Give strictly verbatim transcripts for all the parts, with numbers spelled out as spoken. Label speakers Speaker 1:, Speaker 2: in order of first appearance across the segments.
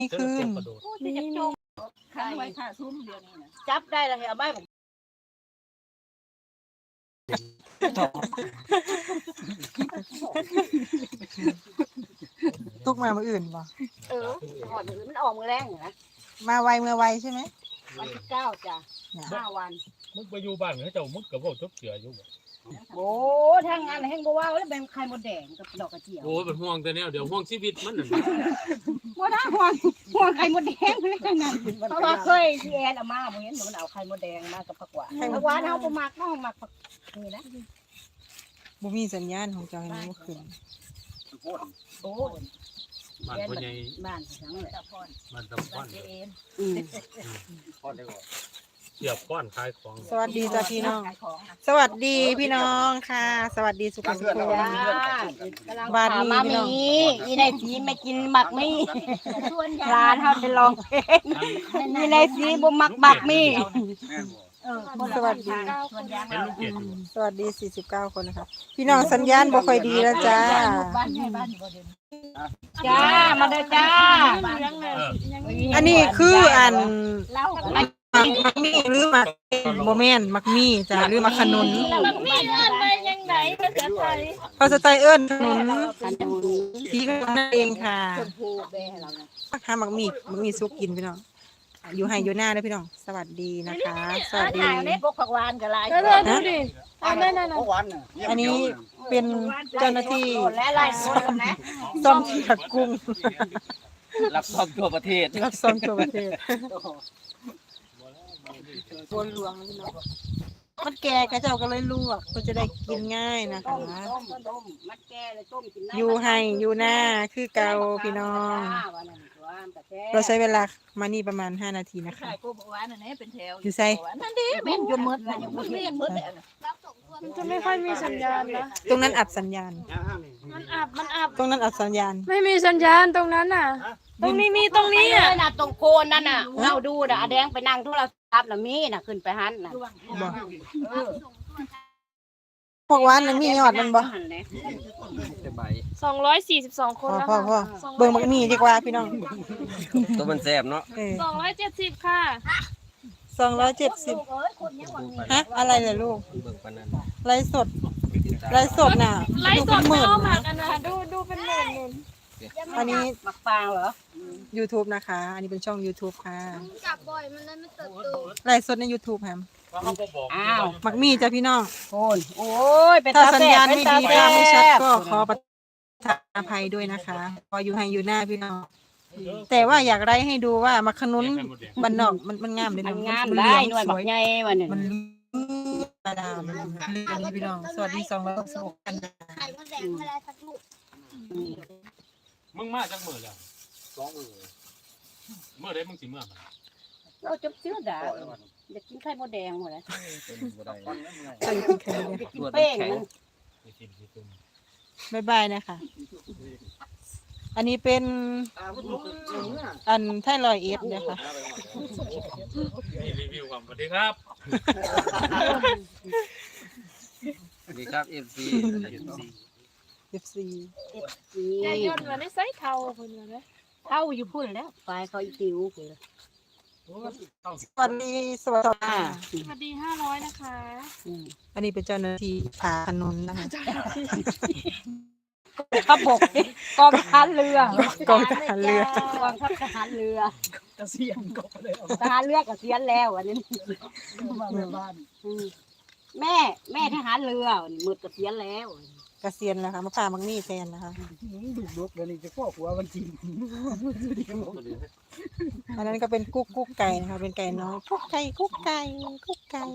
Speaker 1: นี่คือ
Speaker 2: นี่จะจมข้างไว้ค่ะซุ้มเดียวนี้นะจับได้แล้วเอาไม้ผม
Speaker 1: ตุกมาเมื่ออื่นป่ะ
Speaker 2: เออหอดมือมันออกมือแรงนะ
Speaker 1: มาไวเมื่อไวใช่ไหม
Speaker 2: วันที่เก้าจ้ะห้าวัน
Speaker 3: มึงไปอยู่บ้านเขาเจ้ามึงกับว่าจบเสืออยู่
Speaker 2: โอ้ทางงานแห้งบ่ว่าแล้วเป็นไข่มดแดงกับดอกกระเจียว
Speaker 3: โอ้เป็นห่วงแต่แนวเดี๋ยวห่วงชีวิตมันน่ะ
Speaker 2: บ่ได้ห่วงห่วงไข่มดแดงเลยจังนั้นเพราะว่าเคยที่แอนเอามาบ่เห็นมันเอาไข่มดแดงมากับผักหวานผักหวานเฮาบ่มักเฮามักนี่นะ
Speaker 1: บ่มีสัญญาณของเจ้าให้มันบ่ขึ้น
Speaker 2: โอ้
Speaker 3: บ้านพ่อใหญ่
Speaker 2: บ้านทั้งเลย
Speaker 3: บ้านตะพอน
Speaker 2: อืม
Speaker 3: พอนได้บ่เสียบก้อนขายของ
Speaker 1: สวัสดีจ้าพี่น้องสวัสดีพี่น้องค่ะสวัสดีสุขสุข
Speaker 2: บ้านนี้พี่น้องอีในสีไม่กินหมักมี่ร้านเฮาจะลองเพลงอีในสีบ่มักหมักมี่
Speaker 1: สวัสดีสวัสดีสี่สิบเก้าคนนะคะพี่น้องสัญญาณบ่ค่อยดีแล้วจ้า
Speaker 2: จ้ามาเด้อจ้า
Speaker 1: อันนี้คืออันมักมี่หรือมักโมเมนมักมี่จ้าหรือมักขนุน
Speaker 2: มักมี่เอิ้นไปยังไงภาษาไทย
Speaker 1: ภาษาไทยเอิ้นขนุนสีขนุนนั่นเองค่ะหามักมี่มักมี่ซุกกินพี่น้องอยู่ให้อยู่หน้าด้วยพี่น้องสวัสดีนะคะสวัสดี
Speaker 2: พวกผักหวานกับลาย
Speaker 1: นะอันนี้เป็นเจ้าหน้าที่ซ่อมเขียดกุ้ง
Speaker 3: รับซ่อมทั่วประเทศ
Speaker 1: รับซ่อมทั่วประเทศบนหลวงนี่เนาะมันแก่กระเจ้าก็เลยลวกก็จะได้กินง่ายนะคะอยู่ให้อยู่หน้าคือเกาพี่น้องเราใช้เวลามานี่ประมาณห้านาทีนะคะอยู่ใส่
Speaker 2: นั่นดิเป็นอยู่มืดนะอยู่มืดเรียนมืดเลย
Speaker 4: มันจะไม่ค่อยมีสัญญาณนะ
Speaker 1: ตรงนั้นอับสัญญาณ
Speaker 4: มันอับมันอับ
Speaker 1: ตรงนั้นอับสัญญาณ
Speaker 4: ไม่มีสัญญาณตรงนั้นน่ะตรงนี้มีตรงนี้อ่ะ
Speaker 2: น่ะตรงโคนนั่นน่ะเราดูน่ะแดงไปนั่งโทรศัพท์น่ะมีน่ะขึ้นไปหันน่ะ
Speaker 1: พวกวานนั้นมียอดมันบ่
Speaker 4: สองร้อยสี่สิบสองคนแล้ว
Speaker 1: ค่ะพ่อเบิ่งมักมีดีกว่าพี่น้อง
Speaker 3: ตัวมันแซ่บเนาะ
Speaker 4: สองร้อยเจ็ดสิบค่ะ
Speaker 1: สองร้อยเจ็ดสิบฮะอะไรเนี่ยลูกไลฟ์สดไลฟ์สดน่ะ
Speaker 4: ไลฟ์สดไม่เอาหมักกันนะดูดูเป็นหมื่นหมื่น
Speaker 1: อันนี้
Speaker 2: หมักฟางเหรอ
Speaker 1: YouTube นะคะอันนี้เป็นช่อง YouTube ค่ะ
Speaker 4: จับบ่อยมันเลยไม่เติบโต
Speaker 1: ไลฟ์สดใน YouTube แฮม
Speaker 2: อ้าว
Speaker 1: มักมีจ้ะพี่น้อง
Speaker 2: โอนโอ้ยเป็น
Speaker 1: ถ้าสัญญาณไม่ดีภาพไม่ชัดก็ขอประทานอภัยด้วยนะคะพออยู่ให้อยู่หน้าพี่น้องแต่ว่าอยากไล่ให้ดูว่ามักขนุนบ้านนอกมันมันงามเลยนะ
Speaker 2: มันงามได้หน่วยบักใหญ่วันนี้
Speaker 1: มันกระดามเลยพี่น้องสวัสดีสองร้อยสองกัน
Speaker 3: มึงมาจากมื้อแล้วสองมื้อมื้อใดมึงสิมื้อมา
Speaker 2: เราจบเชื้อด่าอยากกินไข่มดแดงหมดเลย
Speaker 1: ใส่กินไข่เลย
Speaker 2: กินเป้ง
Speaker 1: บ๊ายบายนะคะอันนี้เป็นอันไทรอยเอสนะคะ
Speaker 3: รีวิวความสวัสดีครับสวัสดีครับ เอฟ ซี
Speaker 1: เอฟ ซี
Speaker 2: เอฟ ซี
Speaker 4: ยายยนต์มาได้ไซส์เท่าคนเลยนะ
Speaker 2: เท่าอยู่พุ่นแล้วปลายเขาอีติวเลย
Speaker 1: สวัสดีสวัสดี
Speaker 4: สวัสดีห้าร้อยนะคะ
Speaker 1: อันนี้เป็นเจ้าหน้าที่ผาขนุนนะคะ
Speaker 2: ขับบกกองทหารเรือก
Speaker 1: องทหารเรื
Speaker 2: อกองทัพทหารเรือเกษียณก็เลยทหารเรือเกษียณแล้วอันนี้มาบ้านแม่แม่ทหารเรือหมดเกษียณแล้ว
Speaker 1: เกษียณแล้วค่ะมาพามังมี่แทนนะคะ
Speaker 2: ดูดกเดี๋ยวนี้จะพ่อหัวมันจริง
Speaker 1: อันนั้นก็เป็นกุ๊กกุ๊กไก่นะคะเป็นไก่น้อยกุ๊กไก่กุ๊กไก่กุ๊กไก่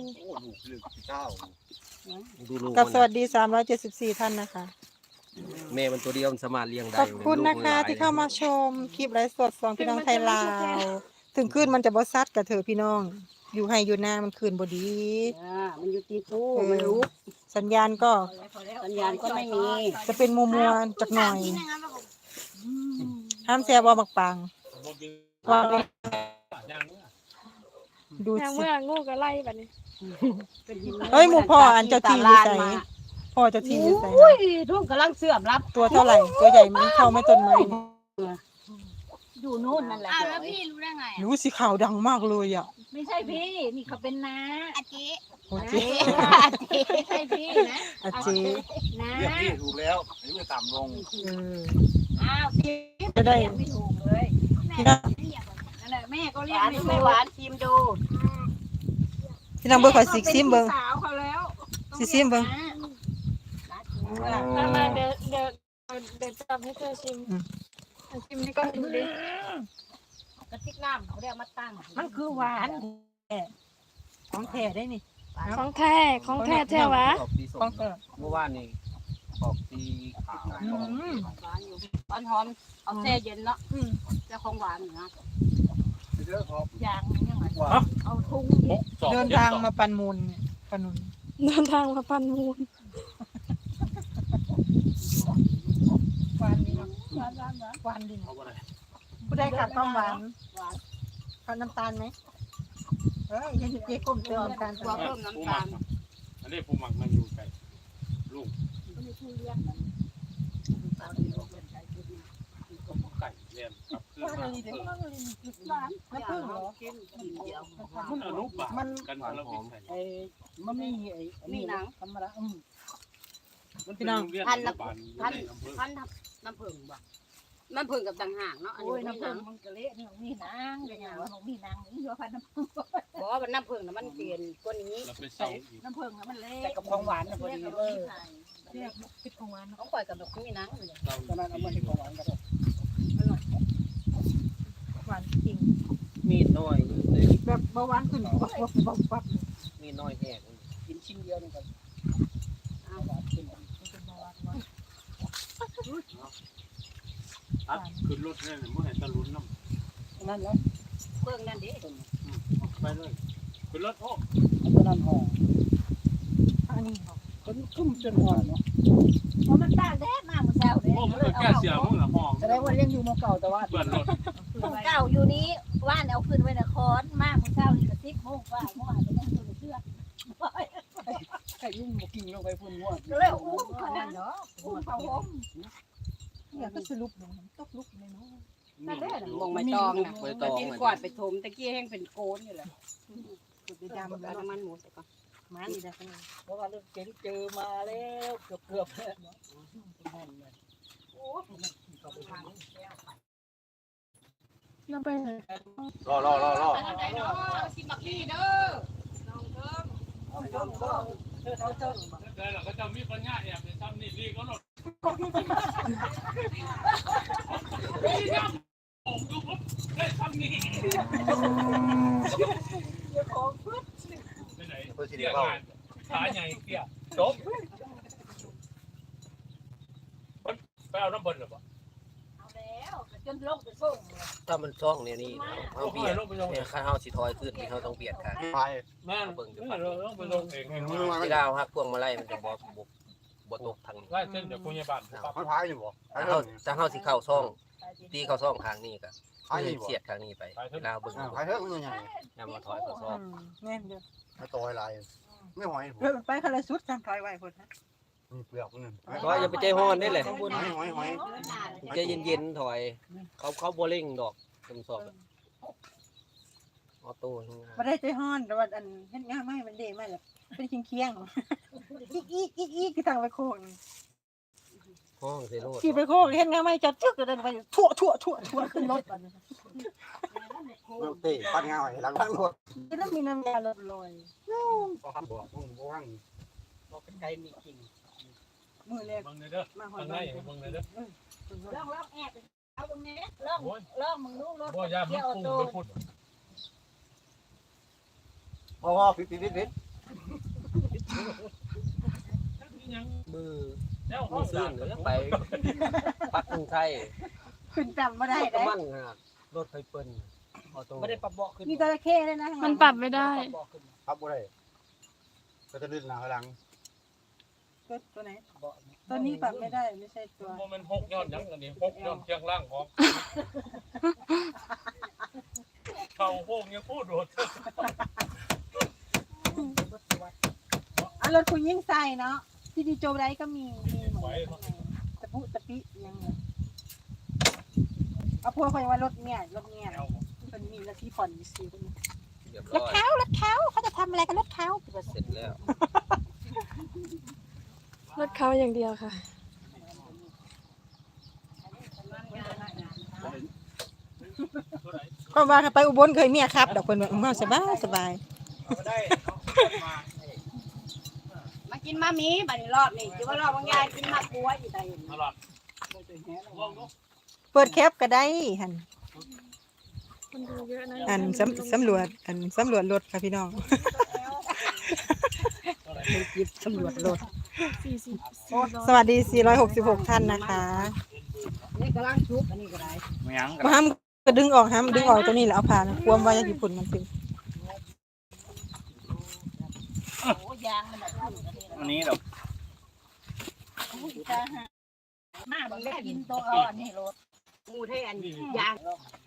Speaker 1: กับสวัสดีสามร้อยเจ็ดสิบสี่ท่านนะคะ
Speaker 3: แม่มันตัวเดียวมันสามารถเลี้ยงได้
Speaker 1: ขอบคุณนะคะที่เข้ามาชมคลิปไลฟ์สดของพี่น้องไทยลาวถึงคืนมันจะบ่ซัดกับเธอพี่น้องอยู่ให้อยู่หน้ามันคืนบ่ดี
Speaker 2: มันอยู่ตีตู้มันรู้
Speaker 1: สัญญาณก็
Speaker 2: สัญญาณก็ไม่มี
Speaker 1: จะเป็นมัวมัวจักหน่อยห้ามแซ่บว่ามักปังว่า
Speaker 4: ดูสิเมื่องูก็ไล่แบบนี้
Speaker 1: เฮ้ยหมู่พ่ออันเจ้าที่อยู่ใส่พ่อเจ้าที่อยู่ใส่
Speaker 2: อุ้ยทุ่งกำลังเสื่อมรับ
Speaker 1: ตัวเท่าไหร่ตัวใหญ่มันเข้าไม่ต้นไม้
Speaker 2: อยู่นู่นนั่นแหละ
Speaker 5: อ้าวแล้วพี่รู้ได้ไงอะ
Speaker 1: รู้สิข่าวดังมากเลยอ่ะ
Speaker 2: ไม่ใช่พี่ นี่เขาเป็นน้า
Speaker 5: อาจิ
Speaker 1: โอเค
Speaker 2: อาเจไม่ใช่พี่นะ
Speaker 1: อาเจ
Speaker 2: น้า
Speaker 6: เรียกพี่ถูกแล้วไอ้เมื่อต่ำลง
Speaker 1: เออ
Speaker 2: อ้าวพี่
Speaker 1: จะได้
Speaker 2: เรียกไม่ถูกเลย
Speaker 1: พี่น้อง
Speaker 2: นั่นแหละแม่ก็เรียกไม่ถูกไม่หวานชิมดู
Speaker 1: พี่น้องเบิ่งขอยสิซิมเบิ่ง
Speaker 2: สาวเขาแล้ว
Speaker 1: สิซิมเบิ่ง
Speaker 4: มามาเดี๋ยวเดี๋ยวเดี๋ยวจับให้เธอชิมชิมนี่ก็ดูดิ
Speaker 2: กระติกน้ำเขาเรียกมาตั้ง
Speaker 1: มันคือหวานแท้ของแท้ได้นี่
Speaker 4: ของแท้ของแท้แท้วะ
Speaker 6: ออกสีส้
Speaker 1: ของ
Speaker 6: ม
Speaker 1: แท้
Speaker 6: เมื่อวานนี่ออกสีขาว
Speaker 1: อืม
Speaker 2: หวานอยู่หวานหอมเอาแช่เย็นเนาะเจ้าของหวานนะ
Speaker 6: เยอะครับ
Speaker 2: ยางยังไง
Speaker 6: ว่า
Speaker 2: เอาทุ่ง
Speaker 3: หกสอง
Speaker 1: เดิน
Speaker 3: จ็
Speaker 1: ทาง
Speaker 3: สอ
Speaker 1: มาปันมูลเนี่ยปันนุน
Speaker 4: เดินทางมาปันมูล
Speaker 1: หวานดีเนาะหวานหวานหวานดี
Speaker 3: เอา
Speaker 1: เนาะ
Speaker 3: บ่ได้
Speaker 1: ผู้ใดขาดความหวานขาดน้ำตาลไหมเอ้ยยังเจ๊ก้มเติมน้ำตาล
Speaker 2: กลัวเพิ่มน้ำตาล
Speaker 3: อันนี้ผู้หมักมันอยู่ไกลลุงไก่เรียนกับคือมาเออ
Speaker 1: น้ำผึ้งเหรอ
Speaker 3: มันอนุบาลกันแล้วเป็นไง
Speaker 7: ไอ้มันมีไอ้อันนี้นะธรรมดาอืม
Speaker 3: มันเป็นโรงเรียนอนุบาลอยู่ในอำเภอ
Speaker 2: พันน้ำผึ้งบ่น้ำผึ้งกับต่างหากเนาะอัน
Speaker 7: โอ้ย
Speaker 2: นี้
Speaker 7: น้ำ
Speaker 2: น้ำ
Speaker 7: ผึ้
Speaker 2: ผึ้
Speaker 7: ง
Speaker 2: ง
Speaker 7: มันก็เละเนี่ยมีนางก็อย่างว่ามีนางนี่ว่าพันน้ำผึ้ง
Speaker 2: บอกว่าน้ำผึ้งน่ะมันเปลี่ยนกว่านี้
Speaker 3: เราไปเศร้าอีก
Speaker 7: น้ำผึ้งมันเละแต่กับของหวานนะพอดีเออเรียกพิษของหวาน
Speaker 2: เขาปล่อยกับดอกมีหนังอยู่เลย
Speaker 3: เศร้า
Speaker 7: ตอนนั้นเอามาให้ของหวานกัน
Speaker 1: หวานจริง
Speaker 6: มีดน้อย
Speaker 1: แบบเบาหวานขึ้นปั๊บปั๊บปั๊บปั๊บ
Speaker 6: มีดน้อยแห้ง
Speaker 7: กินชิ้นเดียวนี่กัน
Speaker 3: อัดขึ้นรถเนี่ยเมื่อไหร่จะลุ้นน้
Speaker 7: นั่นแหละ
Speaker 2: เบิ่งนั่นดิ
Speaker 3: ำไปเลยขึ้นรถโอ้
Speaker 7: ตอนนั้นห่อ
Speaker 1: อันนี้เหรอ
Speaker 7: จนคุ้มจนห่อเนาะ
Speaker 2: เพราะมันตากแดดมาเมื่อเช้าเด้
Speaker 3: โอ้มันก็แก้เสียมึงละห้อง
Speaker 7: แสดงว่ายังอยู่มเก่าแต่ว่า
Speaker 3: เปิดรถ
Speaker 2: ของเก่าอยู่นี้ว่านเอาขึ้นไว้นครมากเมื่อเช้านี่ก็สิบโมงว่าเมื่อวานก็ยังอยู่ในเชือก
Speaker 7: ไก่ยุ่งบ่กินลงไปพุ่นหัว
Speaker 2: ก็เลยอุ้มเขาเนาะอุ้มเขาห่ม
Speaker 1: เนี่ยก็สรุปลงตกลุกเลยเนาะ
Speaker 2: นั่นแหละมองใบตองน่ะไปกินกวาดไปถมตะกี้แห้งเป็นโกนอยู่แหละ
Speaker 1: จุดไป
Speaker 2: เอา
Speaker 1: ดำแล้ว
Speaker 2: น้ำมันหมูใส่ก่อน
Speaker 1: มันนี่ได้ขนาด
Speaker 7: เพราะว่าเรื่องเก๋งเจอมาแล้วเกือบเกือบแล้วเนาะห่อนเลย
Speaker 4: น้ำไปไหน
Speaker 6: รอรอรอรอ
Speaker 2: สิบักลี่เด้อ
Speaker 3: แต่เราก็จะมีปัญญาแอบไปทำนี่ดีก็หลดผมดูปุ๊บได้ทำนี่ไปไหนเรียกงานขาใหญ่เกี่ยจบไปเอาน้ำบนหรือเปล่า
Speaker 2: เอาแล้วจนลงไปส่ง
Speaker 6: ถ้ามันช่องเนี่ยนี่เอาเบียดเนี่ยข้าเฮาสิถอยขึ้นนี่เฮาต้องเบียดค่ะ
Speaker 3: ไปแม่เราต้องไปลงเอง
Speaker 6: ที่ดาวฮักพวงมาลัยมันจะบ่บ่บ่ตกทางนี้
Speaker 3: ไล่เส้นจากพยาบาล
Speaker 6: เขาพายอยู่บ่ถ้าเฮาถ้าเฮาสิเข้าช่องตีเข้าช่องทางนี้ก็คือเสียดทางนี้ไปลาวเบิ่ง
Speaker 8: ไปเถอะมันยังไง
Speaker 6: นำมาถอยเข้าช่อง
Speaker 1: แน่นเด้อ
Speaker 8: ถ้าต่อยลายไม่หอยผม
Speaker 1: เพิ่นไปคนละสุดทำถอยไว้พุ่นนะ
Speaker 8: มีเปลือกนึง
Speaker 6: ก็อย่าไปใจฮ้อนได้เลย
Speaker 8: หอยหอยหอย
Speaker 6: ใจเย็นๆถอย เขาเขาบ่เร่งดอกตำสอบออโต้ทำงาน
Speaker 1: บ่ได้ใจฮ้อนแต่ว่าอันเฮ็ดงานไม่มันเด้มาแล้วเป็นเคียงๆอีกอีกอีกอีกคือทางไปโค้ง
Speaker 6: ห้องเซโร่
Speaker 1: ขี่ไปโค้งเฮ็ดงานไม่จัดจึกก็ได้ไปทั่วทั่วทั่วทั่วขึ้นรถบัดนี้
Speaker 8: เตะปัดเงาให้หลังหลังรถ
Speaker 1: แล้วมีน้ำยาลดลอย
Speaker 8: ก็ทำบอกมึงว่าง
Speaker 7: บอกไก่มีจริง
Speaker 1: มือแรก
Speaker 3: มึงเลยเด้อ
Speaker 1: มาหอ
Speaker 3: ทาย งไหนมึงเลยเด้อ
Speaker 2: ลองลองแอบเอาตรงนี้ลองลองมึงรู้รถ
Speaker 3: บ่ยามันปูไปพูด
Speaker 8: พ่อพ่อปิดปิดปิดปิด
Speaker 6: มือ
Speaker 3: แล้ว
Speaker 6: มือซื่นเลยไปปักกรุงไทย
Speaker 1: ขึ้นจำบ่ได้
Speaker 6: ก็
Speaker 1: ได้
Speaker 6: มั่นขนาดรถไฟเปิ้ลออโต้
Speaker 7: ไม่ได้ปรับเบาะขึ้น
Speaker 1: มีจระเข้ด้วยนะ
Speaker 4: มันปรับไม่ได้
Speaker 8: ครับบ่ได้ก็จะลื่นหลังหลัง
Speaker 1: ตัวไหนตัวนี้ปรับไม่ได้ไม่ใช่ตัว
Speaker 3: โมมันหกยอดยังอันนี้หกยอดเชียงล่างของเขาโค้งยังพูดโดด
Speaker 1: อ่ะรถคุณยิ่งใส่เนาะที่ดีโจได้ก็มีมีหมดตะปุตะปิยังไปเอาพวกเขาว่ารถเนี่ยรถเนี่ยมันมีรถที่ผ่อนมีซีคนนี้
Speaker 6: เรียบ
Speaker 1: ร
Speaker 6: ร้
Speaker 1: ถ
Speaker 6: อย
Speaker 1: เขารถเขาเขาจะทำอะไรกับรถเขา
Speaker 6: เสร็จแล้ว
Speaker 4: รถเขาอย่างเดียวค่ะ
Speaker 1: ก็ว่าไปอุบลเคยเมียครับดอกคนแบบสบายสบาย
Speaker 2: มากินมามีบัดนี้รอบนี่จะว่ารอบบางยายกินมากลัวอยู่ใจ
Speaker 3: ตลอด
Speaker 1: เปิดแคปก็ได้หัน
Speaker 4: คนดูเยอะนะ
Speaker 1: อันสำสำรวจอันสำรวจรถค่ะพี่น้องเป็นคลิปสำรวจรถ
Speaker 4: สี่สิบ
Speaker 1: สวัสดีสี่ร้อยหกสิบหกท่านนะคะ
Speaker 2: นี่กำลังชุบอันนี้ก็ได้
Speaker 8: ไม่ยัง
Speaker 1: มาห้ามก็ดึงออกห้ามดึงออกตัวนี้แล้วเอาผ่านควมไว้ญี่ปุ่นมันเป็น
Speaker 2: โอ้ยางมันแบบขึ้นกันนี่
Speaker 8: อันนี้เรา
Speaker 2: มาบังแม่กินตัวอ่อนนี่รถงูเทอันยาง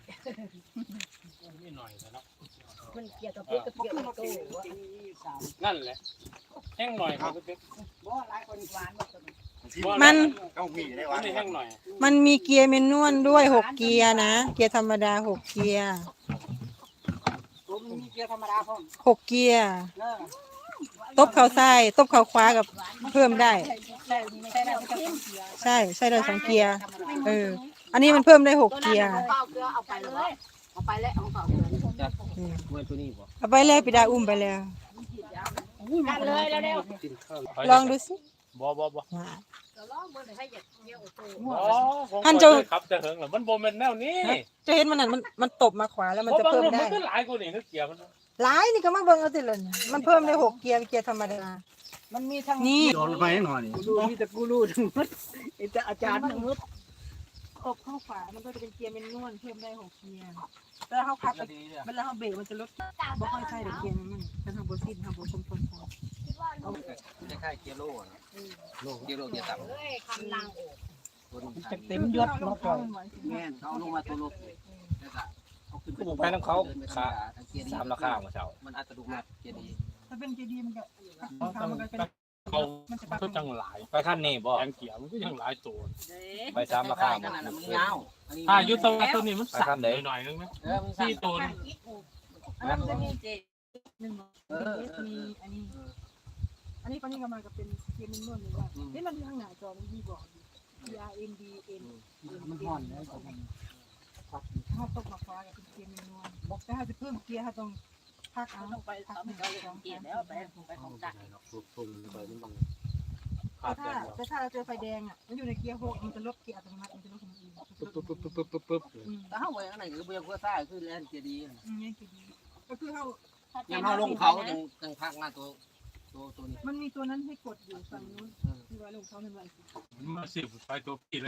Speaker 3: นี่หน่อยนะ
Speaker 2: มันเกี่ยวกับเพื่อนกับเกี่ยวกับตัว
Speaker 3: นั่นแหละแห้งหน่อยครับ
Speaker 2: บ่หลายคนหวานบ่
Speaker 1: มัน
Speaker 8: ต้องมีได้
Speaker 3: อั
Speaker 8: วะ
Speaker 3: นนี้แห้งหน่อย
Speaker 1: มันมีเกียร์เมนนวลด้วยหกเกียร์นะเกียร์ธรรมดาหกเกียร์
Speaker 2: ผมมีเกียร์ธรรมดาพร้อม
Speaker 1: หกเกียร์
Speaker 2: เออ
Speaker 1: ตบเข่าซ้ายตบเข่าขวากับเพิ่มได้
Speaker 2: ใช่ใช่ได้ไม่ต้องเสีย
Speaker 1: ใช่ใช่ได้สองเกียร์เอออันนี้มันเพิ่มได้หก
Speaker 2: ตัวนั้น
Speaker 1: เกียร์
Speaker 2: เอาเปล่าเกลือเอาไปเลยเอาไปแล้วเอาเปล่าเกลือ
Speaker 6: จัดเมื่อตัวนี้บ่
Speaker 1: เอาไปแล้วปิดาอุ้มไปแล้ว
Speaker 2: กันเลยแล้วเร็ว
Speaker 6: กินข้าว
Speaker 1: ลองดูสิ
Speaker 3: บ่บ่บ่
Speaker 1: ว้า
Speaker 2: เราลองเบิ่งให้อยากเกี่ยวตัว
Speaker 3: อ๋อผมขับแต่เหิงเหรอมันโบแมนแนวนี้
Speaker 1: จะเห็นมันนั่นมันมันตบมาขวาแล้วมันจะ
Speaker 3: เพราะบาง
Speaker 1: เพิ่ม
Speaker 3: รุ่น
Speaker 1: ได้
Speaker 3: มันก็หลายกว่านี่คือเกียร์มัน
Speaker 1: หลายนี่ก็มาเบิ่งเอาสิเลยมันเพิ่มได้หกเกียร์เกียร์ธรรมดา
Speaker 2: มันมีทั้ง
Speaker 1: นี่
Speaker 8: โดนไปหน่อยนี่
Speaker 7: กูรู้มีแต่กูรู้ทั้งหมดไอ้แต่อาจารย์ทั้งหมด
Speaker 1: ตบเข้าขวามันก็จะเป็นเกียร์เมนนวลเพิ่มได้หกเกียร์แล้วเขาพักไปเวลาเขาเบรกมันจะลดบ่ค่อยใช่เด็กเกียร์มันเป็นทางโบซินทางโบชมพล
Speaker 6: คล้ายๆเกียร์โล่นะโล่เกียร์โล่เกียร์ต่ำ
Speaker 2: เอ้ยคำลัง
Speaker 6: ตัวนี้
Speaker 7: จะเต็มยศมาก่อน
Speaker 6: แม่นเขาลงมาตัวโล่แล้วก็เอาขึ้น
Speaker 5: ผมไปน้ำเขาขาสามราคามาเช้า
Speaker 6: มันอัตโนมัติเกียร์ดี
Speaker 1: ถ้าเป็นเกียร์ดีมันก็
Speaker 3: เขาเพิ่มจังหลาย
Speaker 5: ไปขั้นนี้บ่
Speaker 3: แองเกียร์มันก็ยังหลายตัว
Speaker 5: ไปสามราคาหมด
Speaker 6: มันเงา
Speaker 3: ถ้ายุทธวัฒน์ตัวนี้มันสั่นหน่อยนึงนะ
Speaker 6: เออมัน
Speaker 3: ที่ตัว
Speaker 1: อันนั้นจะมีเจหนึ่ง
Speaker 6: เออ
Speaker 1: มีอันนี้ อันนี้ปนี้ก็มากับเป็นเกียร์เมนนวลเลยว่านี่มันข้างหน้าจอมันมีบอก R N D N
Speaker 7: มันห่อนแล้วมัน
Speaker 1: ถ้าตกมาฟ้ากับเป็นเกียร์เมนนวลบอกถ้าจะเพิ่มเกียร์ถ้าต้องพักเอา
Speaker 2: ต้องไปทำเขาเกียร์แล้วไปไปของตัก
Speaker 3: ขาด
Speaker 1: ถ้า
Speaker 3: แต่
Speaker 1: แต่ถ้าเราเจอไฟแดงอ่ะมันอยู่ในเกียร์หกมันจะลดเกียร์อัตโนมัติมันจะลดของมันเอง
Speaker 3: ปึ๊บปึ๊บปึ๊บปึ๊บปึ๊บปึ๊บ
Speaker 1: อืม
Speaker 6: แต่เขาไว้ข้างในคือเบียร์กัวซ่าคือแลนเกียร์ดี
Speaker 1: อืมนี่คือดีก็คือเขา
Speaker 6: ยังเขาลงเขาจังจังพักมาตัวตัวตัวนี้
Speaker 1: มันมีตัวนั้นให้กดอยู่ฝั่งนู้นที่ว่าลงเขาเป็นวันสิ
Speaker 3: มาสิบไปตัวพี่เลย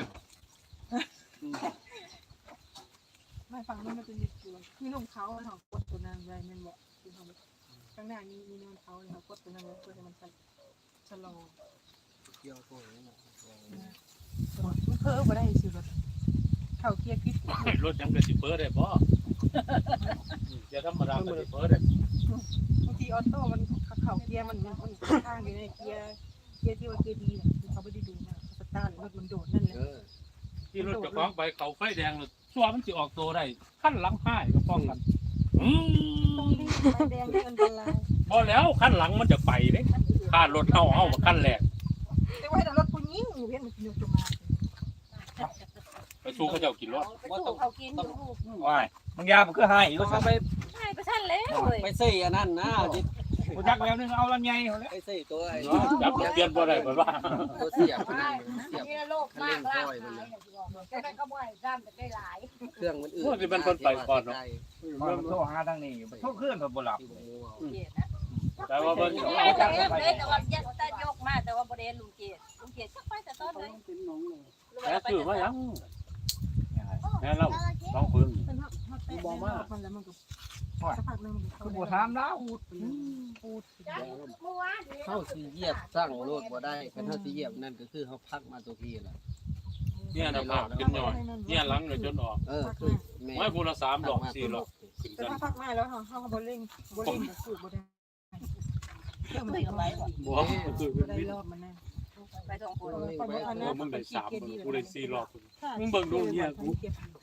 Speaker 1: ไม่ฝั่งนู้นมันจะมีตัวคือลงเขาเขากดตัวนั้นไว้มันบอกคือเขาข้างหน้ามีมีนวลเขาเลยเขากดตัวนั้นไว้เพื่อให้มันชะลอ
Speaker 6: เกี่ยวตัวนี้
Speaker 1: มันเพิ่มมาได้สิรถเข่าเกียร์กิ๊ก
Speaker 3: รถยังกระสิเปิดได้บ่อย่าธรรมดากระสิเปิดได้
Speaker 1: บางทีออโต้มันเข่าเกียร์มันมันข้างอยู่ในเกียร์เกียร์ที่ว่าเกียร์ดีเนี่ยเขาไม่ได้ดูนะสตาร์ทรถมันโดดนั่นแหละ
Speaker 6: เออ
Speaker 3: ที่รถจะฟ้องไปเขาไฟแดงชัวมันสิออกตัวได้ขั้นหลังห้ายก็ฟ้องกันอืม
Speaker 1: ต้องรีบไฟแดงนี่อันตราย
Speaker 3: บ่แล้วขั้นหลังมันจะไปเด้ค่ารถเฮาเฮาขั้นแรก
Speaker 1: แต่ว่าแต่รถคุณยิ่งอยู่เห็นมันอยู่จะมา
Speaker 3: ไปสู้เขาเจ้ากินรถ
Speaker 2: ไปสู้เขากินอยู่
Speaker 5: ว้ายมึงยามันก็ให้อีก
Speaker 6: เขาไป
Speaker 2: ใช่ไปสั้นแล้วเลย
Speaker 6: ไปใส่อันนั้นนะจิ
Speaker 5: กูจักแล้วนึงเอาลำไยเขาแล้ว
Speaker 6: ไปใส่ตัวไอ้
Speaker 3: จับเปลี่ยนบ่ได้เพิ่นว่า
Speaker 6: ตัวเสียบ
Speaker 2: ใช่นี่โลกมากลากหายแต่ก็ก็บ่อยซ้ำแต่ได้หลาย
Speaker 6: เครื่องมันอื่น
Speaker 5: มันโทรหาทางนี้โทรเคลื่อนบ่หลับ
Speaker 3: แต่ว่าเพิ่น
Speaker 2: นี่ไอ้แต่แต่ว่ายัดตายกมาแต่ว่าบ่ได้ลุงเกียรติลุงเกียรติสักไปแต่ต้นเลย
Speaker 7: เป็นหนองเลย
Speaker 3: แล้คือว่ายังแม่เราลองพึ่ง
Speaker 1: บอกว่ามันแล้วมันก็สักพักนึง
Speaker 5: กูบ่ถามแล้ว
Speaker 1: พูด
Speaker 2: เมื่อวาน
Speaker 6: เข้าสีเหยียบสร้างโลดบ่ได้คันเฮาสิเหยียบนั่นก็คือเฮาพักมาตัวพี่ล่ะ
Speaker 3: เนี่ยนะภาพขึ้นหน่อยเนี่ยหลังเลยจนออก
Speaker 6: เออคือแม่
Speaker 3: ไม่พูละสามดอกสี่ดอกขึ้น
Speaker 1: แต่
Speaker 3: กัน
Speaker 1: ถ้าพักมาแล้วเขาเขาบอลเล่งบอลเล่งสูบบ่ได้เครื่องมัน
Speaker 2: คุยกับไปก่อน
Speaker 3: บ่คือ
Speaker 1: บ่ได้รอบมันแน่
Speaker 2: ไปสองคน
Speaker 3: เออมึงได้สามกูได้สี่รอบมึงเบิ่งดูเนี่ยกู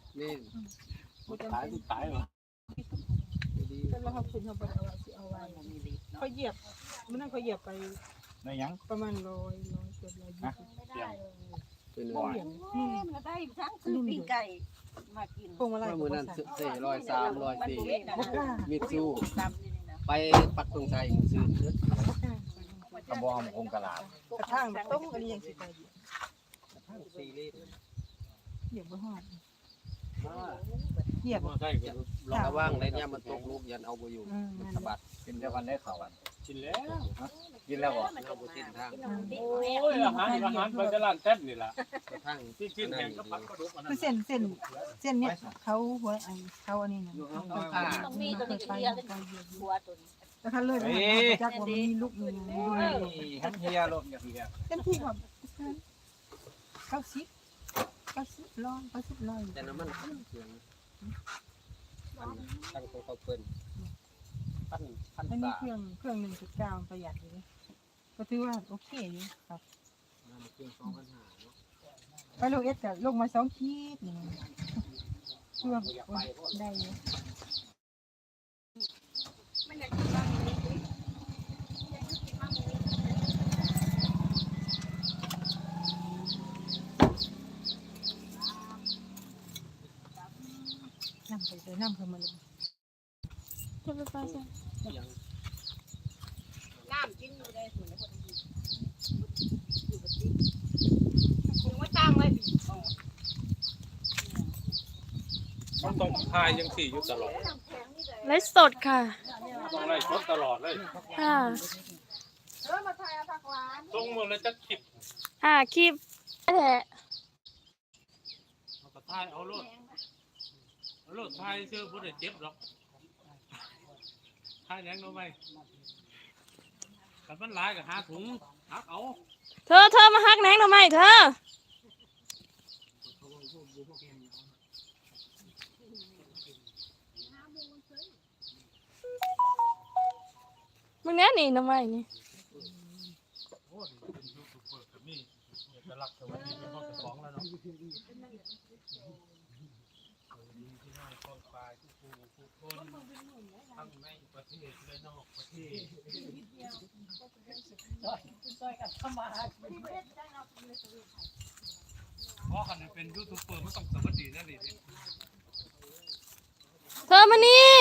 Speaker 6: นี่
Speaker 3: ตายตายเหรอ
Speaker 1: แต่เราเขาคุณเขาไปเอาไว้สิเอาไว้เขาเหยียบมันนั่นเขาเหยียบไป
Speaker 5: ในยัง
Speaker 1: ประมาณร้อยร้อยเกือบร้อยยี่สิบ
Speaker 6: เป็น
Speaker 1: พวงเหรียญ
Speaker 2: ก็ได้ทั้งซื้อปีกไก่มากิน
Speaker 1: พวงอะไร
Speaker 6: ว่ามือนั้นเซ่ร้อยสามร้อยสี่มิดซู
Speaker 2: ตำนี่นะ
Speaker 6: ไปปักตรงใจซื้อก
Speaker 5: ระบอกหมกงกะลาก
Speaker 1: ระทั่งแบบต้มอันนี้ยังสิไปเหยียบ
Speaker 6: ซีรีส์
Speaker 1: เหยียบบ่ฮอดเหยียบ
Speaker 3: ใช่
Speaker 6: ระว่างในเนี่ยมันตกลูกยันเอาไปอยู่
Speaker 1: อืมนั่น
Speaker 6: สะบัด
Speaker 5: กินเดียวกันได้เขาอ่ะ
Speaker 3: กินแล้ว
Speaker 5: กินแล้วบ่
Speaker 6: เราบุตินทาง
Speaker 3: โอ้ยอาหารอาหารไปจะร้านเต้นนี่แหละ
Speaker 6: กระทั่ง
Speaker 3: ที่ชิ้นแห้งก็พัดกระดูกอันนั้
Speaker 1: คือน เส้นเส้นเส้นเนี้ยเขาหัวไอ้เขาอันนี้นะ
Speaker 2: ต้องมีตัวนี้เรียกหัวตัวนี้
Speaker 1: แล้วเขาเลยจักว่ามันมีลูกมี
Speaker 5: ทั้งเฮียรวมอย่างเฮีย
Speaker 1: เต็มที่ก่อนเก้าสิบเก้าสิบร้อยเก้าสิบร้อย
Speaker 6: แต่น้ำมันเครื่องตั้งตัวเขาเปิ้นพันพัน
Speaker 1: อันนี้
Speaker 6: สา
Speaker 1: เครื่องเครื่องหนึ่งจุดเก้าประหยัดเลยก็ถือว่าโอเคอยู่ครับ
Speaker 6: เครื่องสองพันห้าเนาะ
Speaker 1: ไปโลเอสกับลงมาสองขีดนี่เครื่องได้อยู่น้ำไปเลยน้ำเพิ่มมาเลย
Speaker 4: จะไปไปใช่
Speaker 6: ยัง
Speaker 2: น้ำกินอยู่ได้ส่วนไหนคนดีอยู่กับที่คงไม่ตั้งไว้
Speaker 3: มันต้องทายยังสี่อยู่ตลอด
Speaker 4: ไลฟ์สดค่ะ
Speaker 3: ต้องไล่ชดตลอดเลย
Speaker 4: ค่ะ
Speaker 3: ส่งมือเลยจะคิด
Speaker 4: อ่าคลิปแหละ
Speaker 3: เอาก็ทายเอาโลดเอาโลดทายเชื่อผู้ใดเจ็บหรอกทายแรงเอาไหมกันมันหลายก็หาถุงหักเอา
Speaker 4: เธอเธอมาฮักแหนงทำไมเธอมึงแน่นี่ทำไมนี่
Speaker 3: โอ้ยเป็นยูทูบเบอร์ก็มีเอกลักษณ์สวัสดีเป็นพ่อเจ้าของแล้วเนาะสวัสดีพี่น้องกองปลายทุกผู้ทุกคนทั้งในประเทศและนอกประเทศ
Speaker 7: ซอยกันทำมาหากิน
Speaker 3: เพราะคันเป็นยูทูบเบอร์มันต้องสวัสดีนั่นเอง
Speaker 4: เธอมานี่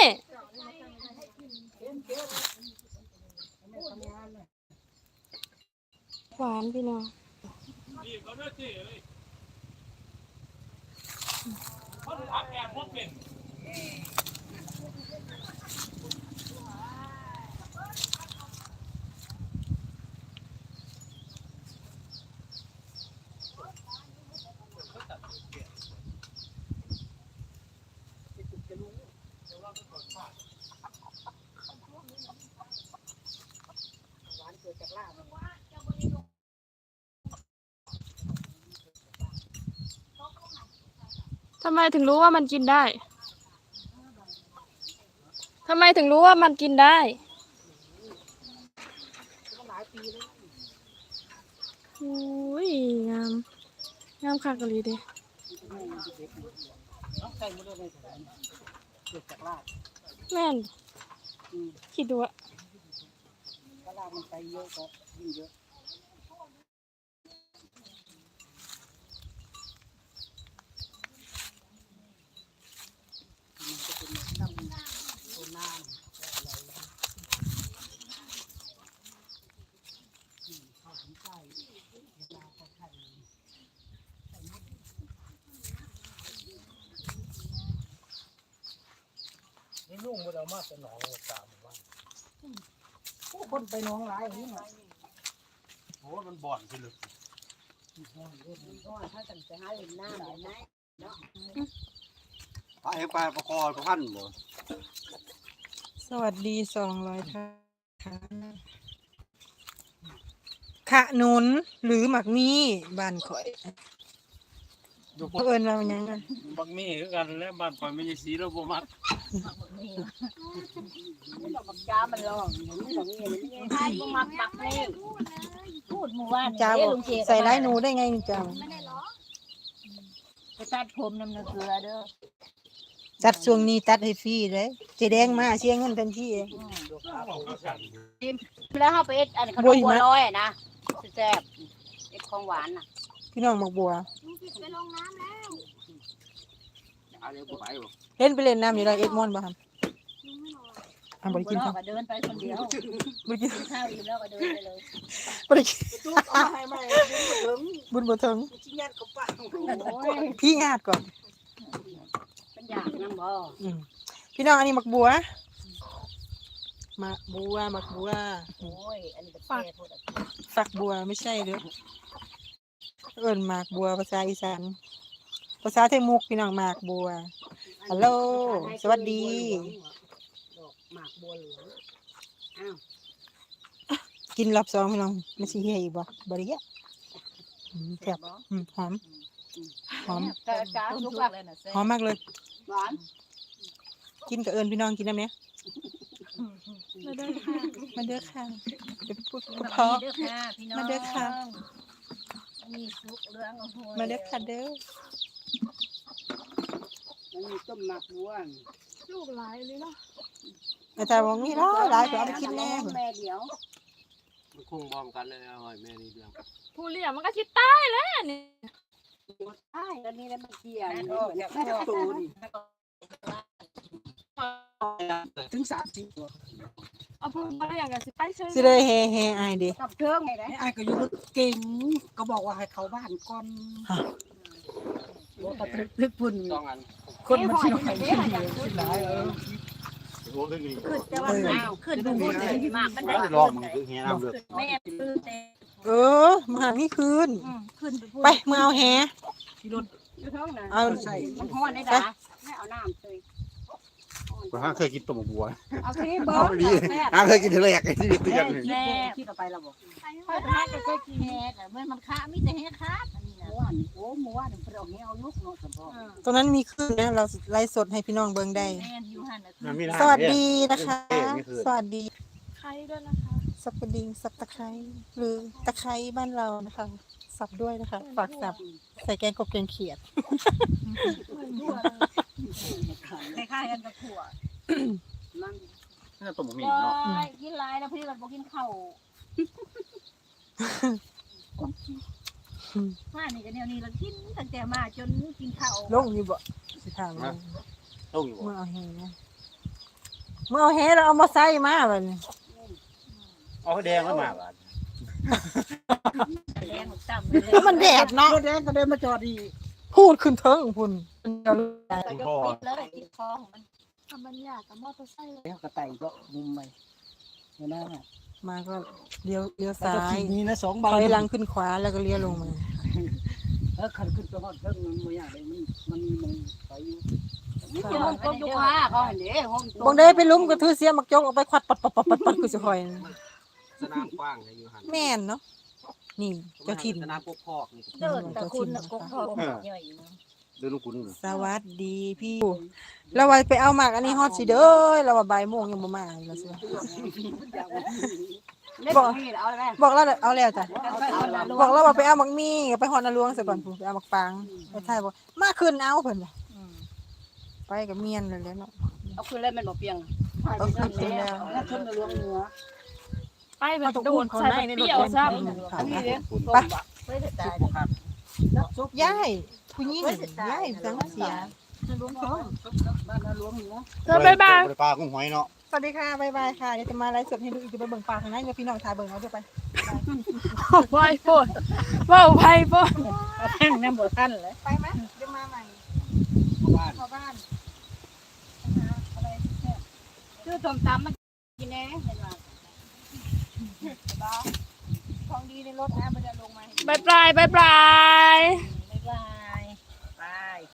Speaker 4: หวานพี่น้อง
Speaker 3: นี่เขาเลือกที่เลยเขาถักแอบพวกเป็น
Speaker 4: ทำไมถึงรู้ว่ามันกินได้ทำไมถึงรู้ว่ามันกินได้โอ้ยงามงามคักกะลีเด้
Speaker 2: ต้องใส่หมดเลยเกิดจากลาบ
Speaker 4: แม่นคิดดูอะ
Speaker 2: ถ้าลาบมันไปเยอะก็ยิ่งเยอะมันจะเป็นน้ำตัวน้ำอะไรข้าวถึงใต้เวลาเขาไข่
Speaker 3: นี่ลุงมันเอามาแต่หนองตามว่า
Speaker 2: คนไปน้องหลายอย่างนี้หน่อย
Speaker 3: โอ้มันบ่อนไปเลย
Speaker 2: ก็ถ้าตั้งใจหาเห็นหน้าหน่อยนะ
Speaker 8: ปลาเห็นปลาประคอประพันบ่
Speaker 1: สวัสดีสองร้อยท่านค่ะขนุนหรือหมักมี่บ้านข่อยเอิญมาเป็นยังไง
Speaker 3: บักมี่คือกันและบ้านข่อยไม่ใช่สีเราบ่มัก
Speaker 2: มันดอกจ้ามันร้องมันดอกเงี้ยมันยังไงมักมักนี่พูดหมู่บ้าน
Speaker 1: จ้าบอกใส่ร้ายหนูได้ไงนี่จ้า
Speaker 2: ไปตัดผมน้ำเนื้อเกลือเด้อ
Speaker 1: จัดช่วงนี้ตัดให้ฟรีเลยเจแดงมาเสียเงินทันที
Speaker 2: แล้วเขาไปเอ็ดอันขนมบัวลอยนะแซ่บเอ็ดของหวานน่ะ
Speaker 1: พี่น้องมักบัว
Speaker 2: ไปลงน้ำแล้ว
Speaker 8: เอาเดี๋ยวไปบ่
Speaker 1: เห็นไปเล่นน้ำอยู่เลยเอ็ดมอนบ่ครับอ่ะบ่ได้กินข้าว
Speaker 2: ก็เดินไปคนเดียว
Speaker 1: บ่ได้กิน
Speaker 2: กินข้าวอิ่มแล้วก็เดินไปเลย
Speaker 1: บ่ได้กิน
Speaker 7: ตู้เอาให้ใหม่ถึง
Speaker 1: บุญบ่ถึง
Speaker 7: ชิ้นยันกับปัง
Speaker 2: โอ้ย
Speaker 1: พี่งาดก่อน
Speaker 2: เป็นอยากนั่งบ่
Speaker 1: อืมพี่น้องอันนี้มักบัวมักบัวมักบัว
Speaker 2: โอ้ยอันนี้ก็แซ่บหมด
Speaker 1: ฝักบัวไม่ใช่เด้อเอิ้นหมากบัวภาษาอีสานภาษาไทยมุกพี่น้องหมากบัวฮัลโหลสวัสดี
Speaker 2: หมากบัวเหลืองอ้าว
Speaker 1: กินรอบสองพี่น้องมันสิเฮียอีกบ่บ่ได้เฮียอืมแซ่บอืมหอมหอม
Speaker 2: แต่จ้าทุกแบบ
Speaker 1: หอมมากเลย
Speaker 2: หวาน
Speaker 1: กินกับเอิญพี่น้องกินได้ไหม
Speaker 4: มาเด้อค่ะ
Speaker 1: มาเด้อค่ะเดี๋ยวพูด
Speaker 2: มา
Speaker 1: เพราะ
Speaker 2: เด้อค่ะพี่น้อง
Speaker 1: มาเด้อค่ะ
Speaker 2: มีซุกเรื่องโอ้โห
Speaker 1: มาเด้อค่ะเด้อ
Speaker 2: มันมีต้มหมักบัว
Speaker 4: ลูกหลายเลยเนาะ
Speaker 1: อาจารย์บอกมีหลายหลายก็เอาไปกินแน่
Speaker 2: แม่เดียว
Speaker 6: มันคงพร้อมกันเลยอร่อยแม่นี่เรื่อง
Speaker 4: ผู้เลี้ยงมันก็ชิตายแล้วนี่
Speaker 2: ใช่แล้วนี่แล้วมันเกี่ยว
Speaker 7: ก็อยากได้ตูนถึงสามสิบตัว
Speaker 4: เอาผู้มาเลี้ยงกันสิไปเชิญ
Speaker 1: สิได้เฮเฮอายเด้
Speaker 2: กับเครื่องไงนะ
Speaker 7: ไอ้ก็อยู่เก่งก็บอกว่าให้เขาบ้านก่อนบอกว่าลึกพุ่น
Speaker 6: ต้องอัน
Speaker 7: คนมันสิหน่อยสิหลายเออ
Speaker 8: โอ้ยนี่
Speaker 2: ขึ้นแต่ว่าอ้าวขึ้นดูบุญเลยมากมัน
Speaker 8: ไม่
Speaker 2: ได้
Speaker 8: ได้ลองมึงคือแฮน้ำเลือด
Speaker 2: แม่ตื้อเต้
Speaker 1: เออมาหามีคืน
Speaker 2: ขึ้นไปพูด
Speaker 1: ไปมือเอาแฮ
Speaker 2: อยู่ท้องนะ
Speaker 1: เอา
Speaker 7: ใส่
Speaker 2: มันห้อนได้ด่าไม่เอาน้ำเลย
Speaker 8: ก็ห้าเคยกินต้มบัว
Speaker 2: เอาที่เบิ
Speaker 8: เอา
Speaker 2: ร์
Speaker 8: ดีห้าเคยกินทีแรกไอ้ที่ตีกัน
Speaker 2: แม่ที่ต่อไปเราบอก
Speaker 4: ค่อยไปให้ก็กิน
Speaker 2: แม่แต่เมื่อมันค้ามีแต่แห่ค้าอันนี้นะม้วนโอ้ม้วนเพิ่นเอาแห่เอาลูกเนาะสมพร
Speaker 1: ตรงนั้นมีคืนนะเราไลฟ์สดให้พี่น้องเบิ่งได้
Speaker 2: แม่อยู่หั่นน่ะ
Speaker 8: มันมีน้ำ
Speaker 1: สวัสดีนะคะ สวัสดี
Speaker 4: ใครด้วยนะคะ
Speaker 1: สับกระดิ่งสับตะไคร้หรือตะไคร้บ้านเรานะคะ สับด้วยนะคะฝากสับใส่แกงกบแกงเขียด
Speaker 2: คล้ายๆกันกับถั่วมัน
Speaker 8: น่าต้มหมี่
Speaker 2: ก็
Speaker 8: เนาะ
Speaker 2: กินหลายแล้วพี่ก็บ่กินข้าวมานี่ก็แนวนี้เรากินตั้งแต่มาจนกินข้าว
Speaker 1: ลงอยู่บ่สิถามว่า
Speaker 8: ต้มอยู่
Speaker 1: เมื่อเอาแฮเมื่อเอาแฮเราเอามาใส่มาบัดนี้
Speaker 8: เอาแดงแล้วมาบาด
Speaker 2: แดงต่ำเลย
Speaker 1: แล้วมันแดดเนาะ
Speaker 7: รถแดงก็เดินมาจอดอีก
Speaker 1: พูดขึ้นเทิงพุ่นเดี๋ยว
Speaker 2: ก็ยกปิดเลยติดคอของมัน
Speaker 4: ทำบรรยากกับมอเตอร์ไซค์เลย
Speaker 7: แล้วกระต่ายก็มุมใหม่เห็นไหม
Speaker 1: มาก็เลี้ยวเลี้ยว
Speaker 7: ซ้า
Speaker 1: ซ้าย
Speaker 7: ยนี่นะสองใบ
Speaker 1: ถอยหลังขึ้นขวาแล้วก็เลี้ยวลงมา
Speaker 7: เออขันขึ้นไปฮอดเพิ่งมันบ่อยากเลยมันมันมันไปอยู่
Speaker 2: นี่คือห้องต้มยุคาเขาเห็นเด้ห้องต้ม
Speaker 1: บางได้ไปลุ้มก็ถือเสียมักจกออกไปควัดปัดปัดปัดปัดปัดคือสิคอย
Speaker 6: สนามกว้างเลยอยู่หัน
Speaker 1: แม่นเนาะนี่เจ้าถิ่น
Speaker 6: สนามพวกพอกนี่
Speaker 2: เดินแต่คุณน่ะกกทองใหญ่นะ
Speaker 8: เดินลูกคุณ
Speaker 1: สวัสดีพี่เราว่าไปเอาหมากอันนี้ฮอดสิเด้อเราว่าบ่ายโมงยังบ่มาเราสิ
Speaker 2: เล่นนี่เอาได้
Speaker 1: บอกเราเอาแล้วจ้ะ
Speaker 2: เอาละ
Speaker 1: บอกเราว่าไปเอาหมักมี่ไปฮอดนาหลวงซะก่อนพุ่นไปเอาหมักปางไปท้ายบอกมาขึ้นเอาเพิ่นว่ะไปกับเมียนนั่นแหละเนาะ
Speaker 2: เอาคืนเลยมันบ่เปียง
Speaker 1: เอาขึ้นแล้ว
Speaker 7: แล้วชนในรวงเหนือ
Speaker 4: ไปแบบโดนใส่แบบเปรี้ยวซ้
Speaker 2: อันนี้เด้
Speaker 1: ไป
Speaker 2: ไม่ได้ตาย
Speaker 1: ยายผู้หญิงยายสังเสีย
Speaker 7: รวงท้องบ้านรวงเหนือ
Speaker 4: ำเธอบ๊ายบาย
Speaker 8: ปลากุ้งหอยเนาะ
Speaker 1: สวัสดีค่ะบ๊ายบายค่ะเดี๋ยวจะมาไลฟ์สดให้ดูอีกจะไปเบิ่งปลาข้างในเดี๋ยวพี่น้องถ่ายเบิ่งเอาเดี๋ยวไป
Speaker 4: ไวโฟนว้าวไวโฟน
Speaker 2: แห้งน้ำบ่ทันเลย
Speaker 1: ไปไหมเดี๋ยวมาใหม่
Speaker 7: บ้าน
Speaker 1: เข้าบ้าน
Speaker 2: คือต้มตำมันกินแน่เห็นว่า
Speaker 1: ของดีในรถนะมันจะลงมา
Speaker 4: บายบายบายบาย